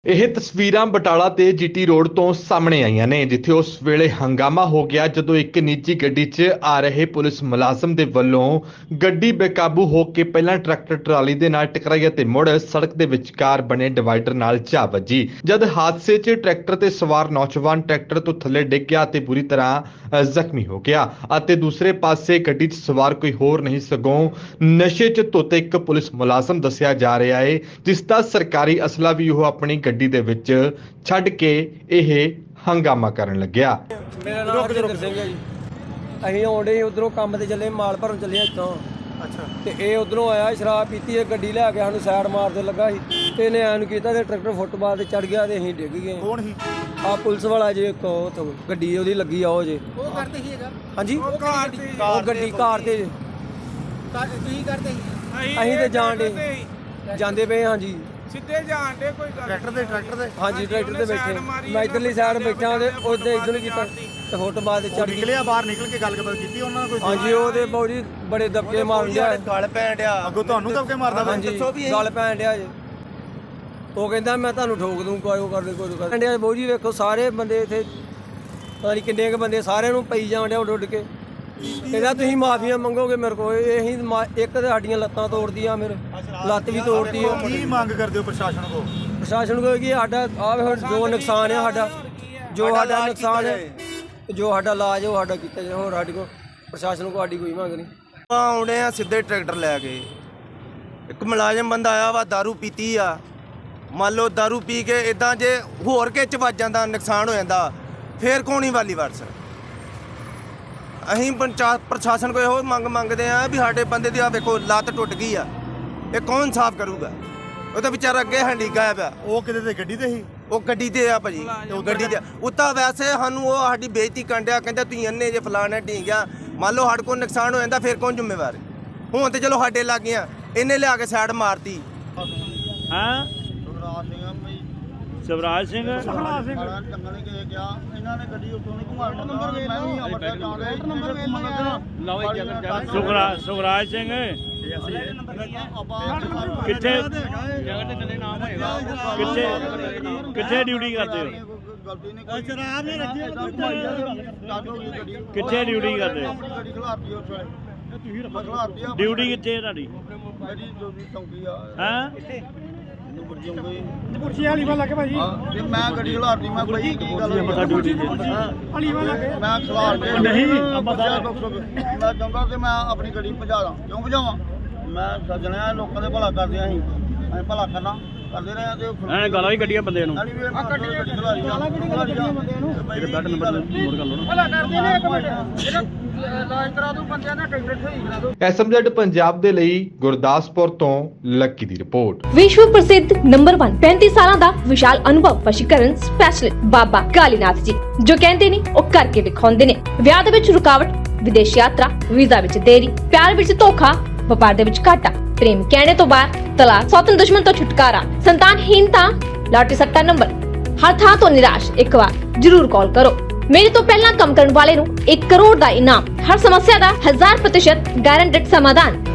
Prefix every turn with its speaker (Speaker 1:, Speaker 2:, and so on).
Speaker 1: ਇਹ ਤਸਵੀਰਾਂ ਬਟਾਲਾ ਤੇ ਜੀਟੀ ਰੋਡ ਤੋਂ ਸਾਹਮਣੇ ਆਈਆਂ ਨੇ, ਜਿੱਥੇ ਉਸ ਵੇਲੇ ਹੰਗਾਮਾ ਹੋ ਗਿਆ ਜਦੋਂ ਇੱਕ ਨਿੱਜੀ ਗੱਡੀ 'ਚ ਆ ਰਹੇ ਪੁਲਿਸ ਮੁਲਾਜ਼ਮ ਦੇ ਵੱਲੋਂ ਗੱਡੀ ਬੇਕਾਬੂ ਹੋ ਕੇ ਪਹਿਲਾਂ ਟਰੈਕਟਰ ਟਰਾਲੀ ਦੇ ਨਾਲ ਟਕਰਾਈ ਅਤੇ ਮੁੜ ਸੜਕ ਦੇ ਵਿਚਕਾਰ ਬਣੇ ਡਿਵਾਈਡਰ ਨਾਲ ਜਾ ਵੱਜੀ। ਜਦ ਹਾਦਸੇ 'ਚ ਟਰੈਕਟਰ ਤੇ ਸਵਾਰ ਨੌਜਵਾਨ ਟਰੈਕਟਰ ਤੋਂ ਥੱਲੇ ਡਿੱਗ ਗਿਆ ਤੇ ਬੁਰੀ ਤਰ੍ਹਾਂ ਜ਼ਖਮੀ ਹੋ ਗਿਆ ਅਤੇ ਦੂਸਰੇ ਪਾਸੇ ਗੱਡੀ 'ਚ ਸਵਾਰ ਕੋਈ ਹੋਰ ਨਹੀਂ ਸਗੋਂ ਨਸ਼ੇ 'ਚ ਧੁੱਤ ਇੱਕ ਪੁਲਿਸ ਮੁਲਾਜ਼ਮ ਦੱਸਿਆ ਜਾ ਰਿਹਾ ਹੈ, ਜਿਸ ਦਾ ਸਰਕਾਰੀ ਅਸਲਾ ਵੀ ਉਹ ਆਪਣੀ ਗੱਡੀ ਦੇ ਵਿੱਚ ਛੱਡ ਕੇ ਇਹ ਹੰਗਾਮਾ ਕਰਨ ਲੱਗਿਆ।
Speaker 2: ਮੇਰਾ ਨਾਮ ਹਰਜਿੰਦਰ ਸਿੰਘ ਹੈ ਜੀ। ਅਸੀਂ ਆਉਂਦੇ ਉਧਰੋਂ ਕੰਮ ਤੇ ਚੱਲੇ, ਮਾਲ ਭਰਨ ਚੱਲੇ ਇੱਥੋਂ। ਅੱਛਾ। ਤੇ ਇਹ ਉਧਰੋਂ ਆਇਆ, ਸ਼ਰਾਬ ਪੀਤੀ, ਇਹ ਗੱਡੀ ਲੈ ਕੇ ਸਾਨੂੰ ਸਾਈਡ ਮਾਰਦੇ ਲੱਗਾ ਸੀ ਤੇ ਇਹਨੇ ਐਨ ਕੀਤਾ ਤੇ ਟਰੈਕਟਰ ਫੁੱਟਬਾਲ ਤੇ ਚੜ ਗਿਆ ਤੇ ਅਸੀਂ ਡਿੱਗ ਗਏ। ਕੌਣ ਸੀ? ਆ ਪੁਲਿਸ ਵਾਲਾ ਜੇ ਉੱਥੋਂ ਗੱਡੀ ਉਹਦੀ ਲੱਗੀ ਆ ਉਹ ਜੇ। ਉਹ ਕਰਦੇ ਸੀ ਹੈਗਾ? ਹਾਂਜੀ, ਉਹ ਗੱਡੀ ਕਾਰ ਤੇ ਤੁਸੀਂ ਕਰਦੇ ਸੀ? ਅਸੀਂ ਤੇ ਜਾਂਦੇ ਪਏ। ਹਾਂਜੀ,
Speaker 3: ਸਿੱਧੇ ਜਾਣ ਦੇ ਕੋਈ
Speaker 2: ਟਰੈਕਟਰ ਦੇ ਹਾਂਜੀ, ਟਰੈਕਟਰ ਤੇ ਬੈਠੇ। ਮੈਂ ਇਧਰਲੀ ਸਾਈਡ ਬੈਠਾ ਤੇ ਉਹਦੇ ਇਧਰ ਨੂੰ ਕੀਤਾ ਤੇ ਫੁੱਟਬਾਲ ਤੇ ਚੜ
Speaker 4: ਨਿਕਲਿਆ ਬਾਹਰ, ਨਿਕਲ ਕੇ ਗੱਲਬਾਤ ਕੀਤੀ ਉਹਨਾਂ ਨਾਲ ਕੋਈ?
Speaker 2: ਹਾਂਜੀ, ਉਹਦੇ ਬੌੜੀ ਬੜੇ ਦਬਕੇ ਮਾਰਨ ਡਿਆ, ਗਲ ਪੈਣ ਡਿਆ।
Speaker 4: ਅੱਗੋਂ ਤੁਹਾਨੂੰ ਦਬਕੇ ਮਾਰਦਾ?
Speaker 2: ਹਾਂਜੀ, ਗਲ ਪੈਣ ਡਿਆ ਜੇ। ਉਹ ਕਹਿੰਦਾ ਮੈਂ ਤੁਹਾਨੂੰ ਠੋਕ ਦੂੰ, ਕੋਈ ਕਰਦੇ ਕੋਈ ਡਿਆ। ਬੌੜੀ ਵੇਖੋ, ਸਾਰੇ ਬੰਦੇ ਇੱਥੇ ਪਤਾ ਨਹੀਂ ਕਿੰਨੇ ਕੁ ਬੰਦੇ, ਸਾਰਿਆਂ ਨੂੰ ਪਈ ਜਾਣ ਡਿਆ ਉੱਡ ਕੇ। ਕਹਿੰਦਾ ਤੁਸੀਂ ਮਾਫੀਆਂ ਮੰਗੋਗੇ ਮੇਰੇ ਕੋਲ। ਅਸੀਂ ਇੱਕ ਤੇ ਸਾਡੀਆਂ ਲੱਤਾਂ ਤੋੜਦੀਆਂ, ਮੇਰੇ ਲੱਤ ਵੀ ਤੋੜਦੀ ਆ।
Speaker 4: ਕੀ ਮੰਗ ਕਰਦੇ ਹੋ ਪ੍ਰਸ਼ਾਸਨ ਕੋਲ?
Speaker 2: ਪ੍ਰਸ਼ਾਸਨ ਕੋਲ ਕਿ ਸਾਡਾ ਜੋ ਨੁਕਸਾਨ ਹੈ, ਸਾਡਾ ਨੁਕਸਾਨ ਹੈ, ਜੋ ਸਾਡਾ ਇਲਾਜ ਉਹ ਸਾਡਾ ਕੀਤਾ ਜਾਏ। ਹੋਰ ਸਾਡੇ ਕੋਲ ਪ੍ਰਸ਼ਾਸਨ ਕੋਲ ਸਾਡੀ ਕੋਈ ਮੰਗ ਨਹੀਂ।
Speaker 5: ਆਉਣੇ ਆ ਸਿੱਧੇ ਟਰੈਕਟਰ ਲੈ ਕੇ। ਇੱਕ ਮੁਲਾਜ਼ਮ ਬੰਦਾ ਆਇਆ ਵਾ, ਦਾਰੂ ਪੀਤੀ ਆ। ਮੰਨ ਲਓ ਦਾਰੂ ਪੀ ਕੇ ਇਦਾਂ ਜੇ ਹੋਰ ਕੇ ਚ ਵੱਜ ਜਾਂਦਾ, ਨੁਕਸਾਨ ਹੋ ਜਾਂਦਾ, ਫੇਰ ਕੋਣੀ ਵਾਲੀ ਵਰਸ। ਅਸੀਂ ਪ੍ਰਸ਼ਾਸਨ ਕੋਲ ਇਹੋ ਮੰਗ ਮੰਗਦੇ ਆ ਵੀ ਸਾਡੇ ਬੰਦੇ ਦੀ ਆ ਵੇਖੋ ਲੱਤ ਟੁੱਟ ਗਈ ਆ, ਇਹ ਕੌਣ ਸਾਫ਼ ਕਰੂਗਾ? ਉਹ ਤਾਂ ਵਿਚਾਰਾ ਅੱਗੇ ਹੰਡੀ ਗਾਇਆ ਪਿਆ।
Speaker 4: ਉਹ ਕਿਤੇ ਤੇ ਗੱਡੀ ਤੇ ਸੀ?
Speaker 5: ਉਹ ਗੱਡੀ ਤੇ ਆ ਭਾਜੀ, ਉਹ ਗੱਡੀ ਤੇ ਉੱਤਾ। ਵੈਸੇ ਸਾਨੂੰ ਉਹ ਸਾਡੀ ਬੇਇੱਜ਼ਤੀ ਕੰਡਿਆ, ਕਹਿੰਦਾ ਤੁਸੀਂ ਅੰਨੇ ਜੇ ਫਲਾਣਾ ਢੀਂਗਿਆ। ਮੰਨ ਲਓ ਸਾਡੇ ਕੋਲ ਨੁਕਸਾਨ ਹੋ ਜਾਂਦਾ, ਫਿਰ ਕੌਣ ਜ਼ਿੰਮੇਵਾਰ? ਹੁਣ ਤੇ ਚਲੋ ਸਾਡੇ ਲੱਗ ਗਈਆਂ, ਇਹਨੇ ਲਿਆ ਕੇ ਸਾਈਡ ਮਾਰਤੀ।
Speaker 6: ਹਾਂ, ਸਵਰਾਜ ਸਿੰਘ
Speaker 4: ਜੰਗਲ ਕੇ ਗਿਆ ਇਹਨਾਂ ਨੇ ਗੱਡੀ ਉੱਥੋਂ ਨਹੀਂ ਘੁਮਾਉਣ ਦਿੱਤਾ। ਮੈਂ ਵੀ ਅਮਰਦਾ ਜਾ ਰਿਹਾ
Speaker 6: ਸੁਖਰਾਜ ਸਿੰਘ ਕਿੱਥੇ ਡਿਊਟੀ ਕਰਦੇ ਹੋ?
Speaker 4: ਸ਼ਰਾਬ ਨਹੀਂ ਰੱਖੀ,
Speaker 6: ਕਿੱਥੇ ਡਿਊਟੀ ਕਰਦੇ ਹੋ?
Speaker 4: ਗੱਡੀ ਖਲਾਰਤੀ ਉਸ ਵੇਲੇ।
Speaker 6: ਡਿਊਟੀ ਕਿੱਥੇ ਹੈ ਤੁਹਾਡੀ?
Speaker 4: ਗੱਡੀ ਚੌਂਕੀ ਆ।
Speaker 6: ਹਾਂ,
Speaker 3: ਪੁਰਸ਼ੀ ਵਾਲੀ ਵਾਲਾ ਕੇ ਭਾਜੀ
Speaker 4: ਤੇ ਮੈਂ ਗੱਡੀ ਖਲਾਰਤੀ। ਮੈਂ ਬਈ ਕੀ ਗੱਲ
Speaker 6: ਡਿਊਟੀ
Speaker 3: ਵਾਲੀ ਵਾਲਾ ਕੇ
Speaker 4: ਮੈਂ ਖਲਾਰ ਕੇ
Speaker 6: ਨਹੀਂ
Speaker 4: ਮੈਂ ਚਾਹੁੰਦਾ ਤੇ ਮੈਂ ਆਪਣੀ ਗੱਡੀ ਭਜਾ ਦਾਂ। ਕਿਉਂ ਭਜਾਵਾਂ? ਮੈਂ ਸੱਜਣਿਆ ਲੋਕਾਂ ਦੇ ਭਲਾ ਕਰਦੇ ਆਂ, ਅਸੀਂ ਭਲਾ ਕਰਨਾ ਕਰਦੇ ਰਹੇ ਆ। ਤੇ
Speaker 6: ਗਾਲਾਂ ਵੀ ਕੱਢੀਆਂ ਬੰਦੇ ਨੂੰ।
Speaker 3: ਭਲਾ ਕਰਦੇ ਨੇ। ਇੱਕ ਮਿੰਟ ਇਲਾਜ ਕਰਾ ਦੂ ਬੰਦਿਆਂ ਦਾ, ਟਿਕਟ ਸਹੀ ਕਰਾ ਦੂ।
Speaker 1: ਐਸਐਮਜ਼ੈਡ ਪੰਜਾਬ ਦੇ ਲਈ ਗੁਰਦਾਸਪੁਰ ਤੋਂ ਲੱਕੀ ਦੀ ਰਿਪੋਰਟ।
Speaker 7: विश्व प्रसिद्ध नंबर 1 35 ਸਾਲਾਂ ਦਾ ਵਿਸ਼ਾਲ ਅਨੁਭਵ ਵਸ਼ੀਕਰਨ ਸਪੈਸ਼ਲਿਸਟ ਬਾਬਾ ਕਾਲੀਨਾਥ ਜੀ, ਜੋ ਕਹਿੰਦੇ ਨੇ ਉਹ ਕਰਕੇ ਦਿਖਾਉਂਦੇ ਨੇ। ਵਿਆਹ ਦੇ ਵਿੱਚ ਰੁਕਾਵਟ, ਵਿਦੇਸ਼ ਯਾਤਰਾ, ਵੀਜ਼ਾ ਵਿੱਚ ਦੇਰੀ, ਪਿਆਰ ਵਿੱਚ ਧੋਖਾ, ਵਪਾਰ ਦੇ ਵਿੱਚ ਘਾਟਾ, ਪ੍ਰੇਮ ਕਹਿਣੇ ਤੋਂ ਬਾਹਰ, ਤਲਾਕ, ਸੌਤਨ ਦੁਸ਼ਮਣ ਤੋਂ ਛੁਟਕਾਰਾ, ਸੰਤਾਨਹੀਨਤਾ, ਲਾਟਰੀ ਸੱਟਾ ਨੰਬਰ, ਹਰ ਥਾਂ ਤੋਂ ਨਿਰਾਸ਼। ਇੱਕ ਵਾਰ ਜਰੂਰ ਕਾਲ ਕਰੋ। ਮੇਰੇ ਤੋਂ ਪਹਿਲਾਂ ਕੰਮ ਕਰਨ ਵਾਲੇ ਨੂੰ 1 ਕਰੋੜ ਦਾ ਇਨਾਮ, ਹਰ ਸਮੱਸਿਆ ਦਾ 1000% ਗਾਰੰਟਡ ਸਮਾਧਾਨ।